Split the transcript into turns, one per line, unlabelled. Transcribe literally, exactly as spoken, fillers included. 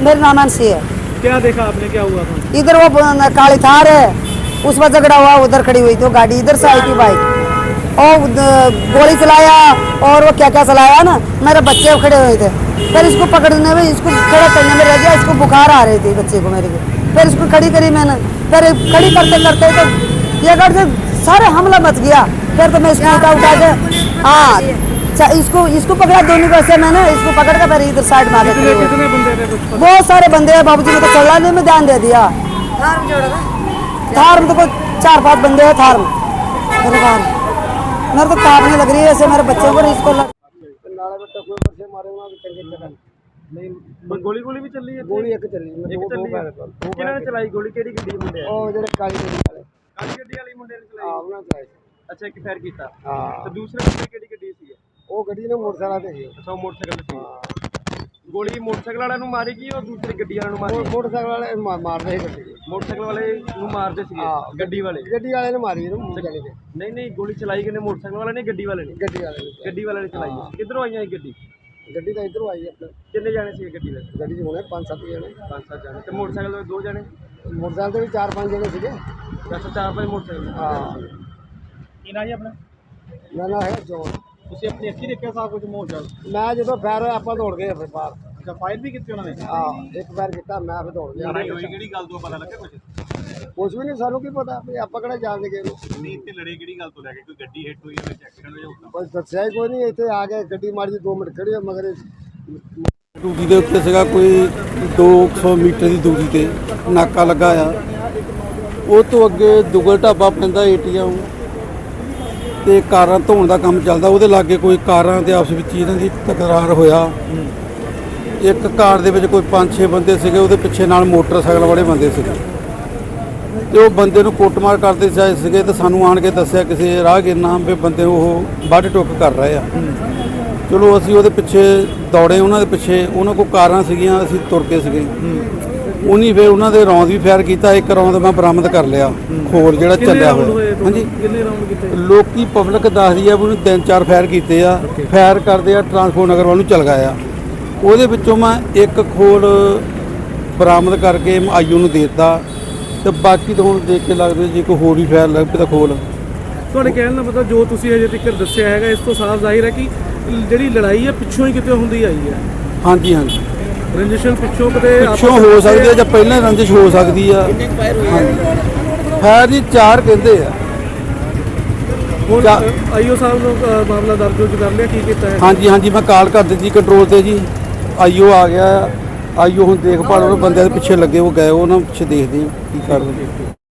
मेरा नाम अंशी है।
क्या देखा आपने, क्या हुआ था?
इधर वो काली थार है, उस पर झगड़ा हुआ, उधर खड़ी हुई थी वो गाड़ी, इधर से आई थी बाइक और गोली चलाया और वो क्या क्या चलाया ना, मेरे बच्चे खड़े हुए थे। फिर इसको पकड़ने में, इसको खड़ा करने में रह गया, इसको बुखार आ रही थी बच्चे को मेरे को। फिर इसको खड़ी करी मैंने, फिर खड़ी करते करते तो ये कर से सारे हमला मच गया। फिर तो मैं इसको उठा उठा के हाँ इसको इसको पकड़ा दोनों को ऐसे मैंने इसको पकड़ के फिर इधर साइड मार
कितने कितने बंदे थे? कुछ
बहुत सारे बंदे हैं बाबूजी ने तो चलाने में ध्यान दे दिया। थार में तो कोई चार पांच बंदे हैं थार में। मेरे कार मेरे तो कांपने लग रही है ऐसे, मेरे बच्चों को इसको लग...
नहीं गोली गोली भी चल रही है?
गोली एक चली
एक चली है। किन्होंने चलाई गोली? केड़ी गड्डी मुंडे?
ਉਹ ਜਿਹੜੇ ਕਾਲੀ ਗੱਡੀ ਵਾਲੇ
ਕਾਲੀ ਗੱਡੀ ਵਾਲੀ ਮੁੰਡੇ ਨੇ
ਆ
ਚਲਾਈ?
ਉਹਨਾਂ ਚਲਾਈ
ਅੱਛਾ, ਇੱਕ ਫਾਇਰ ਕੀਤਾ।
ਹਾਂ
ਤੇ ਦੂਸਰੇ ਮੁੰਡੇ ਕਿਹੜੀ ਗੱਡੀ ਸੀ?
ਉਹ ਗੱਡੀ ਨੇ ਮੋਟਰਸਾਈਕਲ ਤੇ ਸੀ।
ਅੱਛਾ, ਉਹ ਮੋਟਰਸਾਈਕਲ ਤੇ ਸੀ। ਗੋਲੀ ਮੋਟਰਸਾਈਕਲ ਵਾਲਿਆਂ ਨੂੰ ਮਾਰੀ ਗਈ ਔਰ ਦੂਸਰੀ ਗੱਡੀ ਵਾਲਿਆਂ ਨੂੰ ਮਾਰੀ?
ਮੋਟਰਸਾਈਕਲ ਵਾਲੇ ਮਾ- ਮਾਰਦੇ ਸੀ ਗੱਡੀ
ਮੋਟਰਸਾਈਕਲ ਵਾਲੇ ਨੂੰ ਮਾਰਦੇ ਸੀਗੇ, ਗੱਡੀ ਵਾਲੇ?
ਗੱਡੀ ਵਾਲੇ ਨੇ ਮਾਰੀ ਇਹਨੂੰ ਜਾਣੀ ਕਿ
ਨਹੀਂ ਨਹੀਂ, ਗੋਲੀ ਚਲਾਈ ਕਿਨੇ? ਮੋਟਰਸਾਈਕਲ ਵਾਲੇ ਨੇ, ਗੱਡੀ ਵਾਲੇ ਨੇ?
ਗੱਡੀ ਵਾਲੇ ਨੇ
ਗੱਡੀ ਵਾਲੇ ਨੇ ਚਲਾਈ ਹੈ। ਕਿੱਧਰੋਂ ਆਈਆਂ ਇਹ ਗੱਡੀ?
ਗੱਡੀ ਤਾਂ ਇੱਧਰੋਂ ਆਈ ਆਪਣੇ
ਕਿੰਨੇ ਜਾਣੇ ਸੀ ਗੱਡੀ ਵਿੱਚ?
ਗੱਡੀ 'ਚ ਹੋਣੇ ਪੰਜ ਸੱਤ ਜਣੇ,
ਪੰਜ ਸੱਤ ਜਾਣੇ। ਤੇ ਮੋਟਰਸਾਈਕਲ ਤੇ ਦੋ ਜਾਣੇ?
ਮੋਟਰਸਾਈਕਲ ਤੇ ਵੀ ਚਾਰ ਪੰਜ ਜਣੇ ਸੀਗੇ।
ਅੱਛਾ, ਚਾਰ ਪੰਜ ਮੋਟਰਸਾਈਕਲ।
ਹਾਂ
ਕੀ ਨਾਂ ਜੀ ਆਪਣਾ?
ਨਾ ਨਾ ਹੈ ਜੋਨ।
ਤੁਸੀਂ ਆਪਣੀ ਅੱਖੀਂ ਦੇਖਿਆ ਸਾਰਾ ਕੁਝ ਮੋਟਰਸਾਈਕਲ?
ਮੈਂ ਜਦੋਂ ਫਾਇਰ ਹੋਇਆ ਆਪਾਂ ਦੌੜ ਗਏ ਫਿਰ ਬਾਹਰ।
ਅੱਛਾ, ਫਾਇਰ ਵੀ ਕੀਤੀ ਉਹਨਾਂ ਨੇ?
ਹਾਂ ਇੱਕ ਫਾਇਰ ਕੀਤਾ, ਮੈਂ ਫਿਰ ਦੌੜ ਗਿਆ।
ਲੜਾਈ ਹੋਈ ਕਿਹੜੀ ਗੱਲ ਤੋਂ ਪਤਾ ਲੱਗਾ ਕੁਝ?
ਕੁਛ ਵੀ ਨਹੀਂ, ਸਾਨੂੰ ਕੀ ਪਤਾ ਵੀ ਆਪਾਂ ਕਿਹੜਾ ਜਾਣਦੇ ਗਏ ਨੂੰ।
ਨਹੀਂ, ਇੱਥੇ ਲੜੇ ਕਿਹੜੀ ਗੱਲ ਤੋਂ ਲੈ ਕੇ? ਕੋਈ ਗੱਡੀ ਹਿੱਟ ਹੋਈ ਜਾਂ ਐਕਸੀਡੈਂਟ ਹੋਇਆ?
ਬਸ ਦੱਸਿਆ ਹੀ ਕੋਈ ਨਹੀਂ। ਇੱਥੇ ਆ ਕੇ ਗੱਡੀ ਮਾਰੀ ਦੋ ਮਿੰਟ ਖੜੀ ਹੋਈ, ਮਗਰ
ਡਿਊਟੀ ਦੇ ਉੱਤੇ ਸੀਗਾ, ਕੋਈ ਦੋ ਸੌ ਮੀਟਰ ਦੀ ਦੂਰੀ ਤੇ ਨਾਕਾ ਲੱਗਾ ਆ। ਉਹ ਤੋਂ ਅੱਗੇ ਦੁਗਲ ਢਾਬਾ ਪੈਂਦਾ ਏਟੀਐਮ ਤੇ ਕਾਰਾਂ ਧੋਣ ਦਾ ਕੰਮ ਚੱਲਦਾ, ਉਹਦੇ ਲਾਗੇ ਕੋਈ ਕਾਰਾਂ ਦੇ ਆਪਸ ਵਿੱਚ ਇਹਨਾਂ ਦੀ ਤਕਰਾਰ ਹੋਇਆ। ਇੱਕ ਕਾਰ ਦੇ ਵਿੱਚ ਕੋਈ ਪੰਜ ਛੇ ਬੰਦੇ ਸੀਗੇ, ਉਹਦੇ ਪਿੱਛੇ ਨਾਲ ਮੋਟਰਸਾਈਕਲ ਵਾਲੇ ਬੰਦੇ ਸੀਗੇ ਤੇ ਉਹ ਬੰਦੇ ਨੂੰ ਕੁੱਟਮਾਰ ਕਰਦੇ ਜਾਏ ਸੀਗੇ ਤੇ ਸਾਨੂੰ ਆਣ ਕੇ ਦੱਸਿਆ ਕਿਸੇ ਰਾਹਗੀਰ ਨਾਮ ਵੀ ਬੰਦੇ ਉਹ ਵੱਢ ਟੁੱਕ ਕਰ ਰਹੇ ਆ। ਚਲੋ ਅਸੀਂ ਉਹਦੇ ਪਿੱਛੇ ਦੌੜੇ, ਉਹਨਾਂ ਦੇ ਪਿੱਛੇ। ਉਹਨਾਂ ਕੋਲ ਕਾਰਾਂ ਸੀਗੀਆਂ, ਅਸੀਂ ਤੁਰ ਕੇ ਸੀਗੇ। ਉਹਨੀ ਫਿਰ ਉਹਨਾਂ ਦੇ ਰੌਂਦ ਵੀ ਫਾਇਰ ਕੀਤਾ, ਇੱਕ ਰੌਂਦ ਮੈਂ ਬਰਾਮਦ ਕਰ ਲਿਆ, ਖੋਰ ਜਿਹੜਾ ਚੱਲਿਆ ਹੋਇਆ। ਹਾਂਜੀ,
ਕਿੰਨੇ ਰਾਉਂਡ ਕੀਤੇ?
ਲੋਕੀ ਪਬਲਿਕ ਦੱਸਦੀ ਆ ਵੀ ਉਹਨੇ ਤਿੰਨ ਚਾਰ ਫਾਇਰ ਕੀਤੇ ਆ। ਫਾਇਰ ਕਰਦੇ ਆ ਟਰਾਂਸਪੋਰਟ ਨਗਰ ਵੱਲ ਨੂੰ ਚਲ ਗਏ ਆ। ਉਹਦੇ ਵਿੱਚੋਂ ਮੈਂ ਇੱਕ ਖੋਲ ਬਰਾਮਦ ਕਰਕੇ ਆਈਓ ਨੂੰ ਦੇ ਦਿੱਤਾ ਤੇ ਬਾਕੀ ਤਾਂ ਹੁਣ ਦੇਖ ਕੇ ਲੱਗਦਾ ਜੇ ਕੋਈ ਹੋਰ ਵੀ ਫਾਇਰ ਲੱਗ ਪਏ ਤਾਂ ਖੋਲ।
ਤੁਹਾਡੇ ਕਹਿਣ ਦਾ ਮਤਲਬ ਜੋ ਤੁਸੀਂ ਅਜੇ ਤੱਕ ਦੱਸਿਆ ਹੈਗਾ, ਇਸ ਤੋਂ ਸਾਫ਼ ਜ਼ਾਹਿਰ ਹੈ ਕਿ ਜਿਹੜੀ ਲੜਾਈ ਹੈ ਪਿੱਛੋਂ ਹੀ ਕਿਤੇ ਹੁੰਦੀ ਆਈ ਹੈ।
ਹਾਂਜੀ ਹਾਂਜੀ,
ਰੰਜਿਸ਼ਨ ਪਿੱਛੋਂ ਕਿਤੇ
ਪਿੱਛੋਂ ਹੋ ਸਕਦੀ ਹੈ ਜਾਂ ਪਹਿਲਾਂ ਰੰਜਿਸ਼ ਹੋ ਸਕਦੀ ਆ। ਫਾਇਰ ਜੀ ਚਾਰ ਕਹਿੰਦੇ ਆ।
ਹੁਣ ਆਈਓ ਸਾਹਿਬ ਨੂੰ ਅ, ਮਾਮਲਾ ਦਰਜ ਕਰ ਲਿਆ, ਕੀ ਕੀਤਾ ਹੈ?
ਹਾਂਜੀ ਹਾਂਜੀ, ਮੈਂ ਕਾਲ ਕਰ ਦਿੱਤੀ ਕੰਟਰੋਲ ਤੇ ਜੀ। ਆਈਓ ਆ ਗਿਆ। ਆਈਓ ਹੁਣ ਦੇਖਭਾਲ ਉਹਨਾਂ ਬੰਦਿਆਂ ਦੇ ਪਿੱਛੇ ਲੱਗੇ, ਉਹ ਗਏ, ਉਹਨਾਂ ਪਿੱਛੇ ਦੇਖਦੇ ਆ ਕੀ ਕਰਦੇ।